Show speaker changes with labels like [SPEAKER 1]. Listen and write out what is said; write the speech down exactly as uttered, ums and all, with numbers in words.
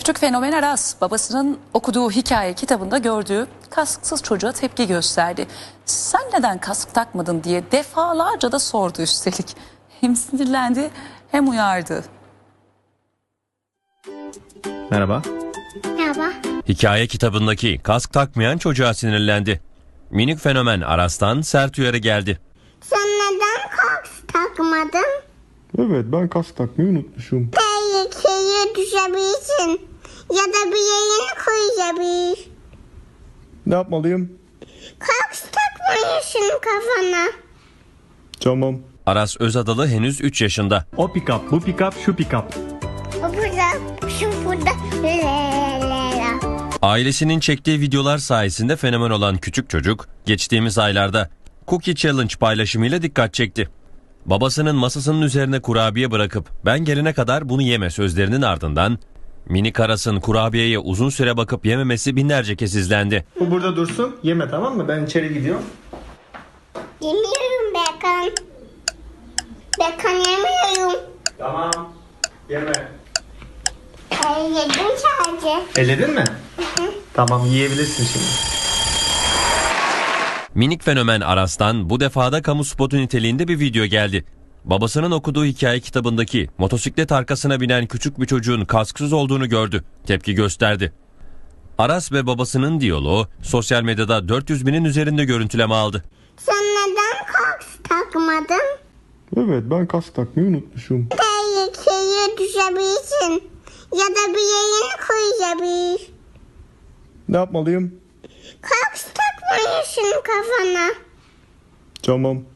[SPEAKER 1] Küçük fenomen Aras babasının okuduğu hikaye kitabında gördüğü kasksız çocuğa tepki gösterdi. Sen neden kask takmadın diye defalarca da sordu üstelik. Hem sinirlendi hem uyardı.
[SPEAKER 2] Merhaba.
[SPEAKER 3] Merhaba.
[SPEAKER 4] Hikaye kitabındaki kask takmayan çocuğa sinirlendi. Minik fenomen Aras'tan sert uyarı geldi.
[SPEAKER 3] Sen neden kask takmadın?
[SPEAKER 2] Evet, ben kask takmayı unutmuşum.
[SPEAKER 3] Tehlikeye düşebilirsin. Ya da bir yerini koyabilir.
[SPEAKER 2] Ne yapmalıyım?
[SPEAKER 3] Kask takmalısın kafana.
[SPEAKER 2] Tamam.
[SPEAKER 4] Aras Özadalı henüz üç yaşında.
[SPEAKER 5] O pick-up, bu pick-up, şu pick-up.
[SPEAKER 3] O burada, şu burada. Lela.
[SPEAKER 4] Ailesinin çektiği videolar sayesinde fenomen olan küçük çocuk geçtiğimiz aylarda Cookie Challenge paylaşımıyla dikkat çekti. Babasının masasının üzerine kurabiye bırakıp ben gelene kadar bunu yeme sözlerinin ardından minik Aras'ın kurabiyeye uzun süre bakıp yememesi binlerce kez izlendi.
[SPEAKER 2] Bu burada dursun. Yeme, tamam mı? Ben içeri gidiyorum.
[SPEAKER 3] Yemiyorum Bekan. Bekan yemiyorum.
[SPEAKER 2] Tamam. Yeme.
[SPEAKER 3] Ee, yedim sadece.
[SPEAKER 2] Elledin mi? Tamam, yiyebilirsin şimdi.
[SPEAKER 4] Minik fenomen Aras'tan bu defada kamu spotu niteliğinde bir video geldi. Babasının okuduğu hikaye kitabındaki motosiklet arkasına binen küçük bir çocuğun kasksız olduğunu gördü. Tepki gösterdi. Aras ve babasının diyaloğu sosyal medyada dört yüz binin üzerinde görüntüleme aldı.
[SPEAKER 3] Sen neden kask takmadın?
[SPEAKER 2] Evet, ben kask takmayı unutmuşum.
[SPEAKER 3] Tehlikeye düşebilirsin. Ya da bir yerini koyabilir.
[SPEAKER 2] Ne yapmalıyım?
[SPEAKER 3] Kask takmalısın kafana.
[SPEAKER 2] Tamam.